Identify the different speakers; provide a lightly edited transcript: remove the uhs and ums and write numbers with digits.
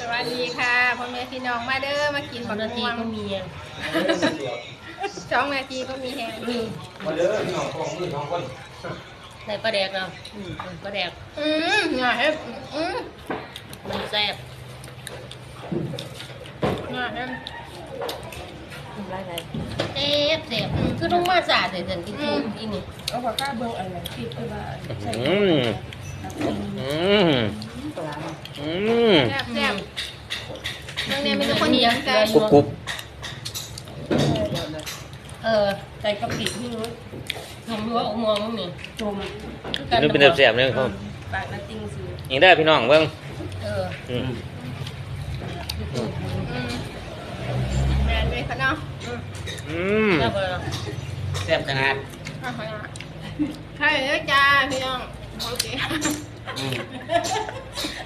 Speaker 1: วัสดีค่ะพ่อแม่พี่น้องมาเด้อมากินบัก
Speaker 2: นาที
Speaker 1: ม่วง
Speaker 2: ก็มีอ่ะ
Speaker 1: 2 นาทีก็มีแหง
Speaker 3: มาเด้อพี่น้องของมือน้องคน
Speaker 2: ใส่ปลาแดกเราปลาแดก
Speaker 1: หน่อยให้อืม
Speaker 2: มันแซ่บ
Speaker 1: หน่อยให้
Speaker 2: เจ็บเจ็บคือต้องมาสาดเลยเดินที่จูนอีนี่
Speaker 4: เอาปากกาเบิ่งอะไรที่คือว่าใส่
Speaker 1: แซ่บแซ่บเรื่องนี้มีแต่คนเดียวใจ
Speaker 3: กรุบกรุบ
Speaker 4: ใส่กะปิที่นู้น
Speaker 2: ทำรั้วมองมั้งนี่
Speaker 4: จม
Speaker 3: นี่เป็นแสบๆเนี่ยครับ
Speaker 4: ปากน้ำติ้งซื้อ
Speaker 3: ยิงได้พี่น้องเบิ่ง
Speaker 1: อืมแมนเลยค่ะเนาะ
Speaker 2: แซ่บเลย
Speaker 3: แซ่บขนาด
Speaker 1: ใช่เลยจ้าพี่น้องโอเค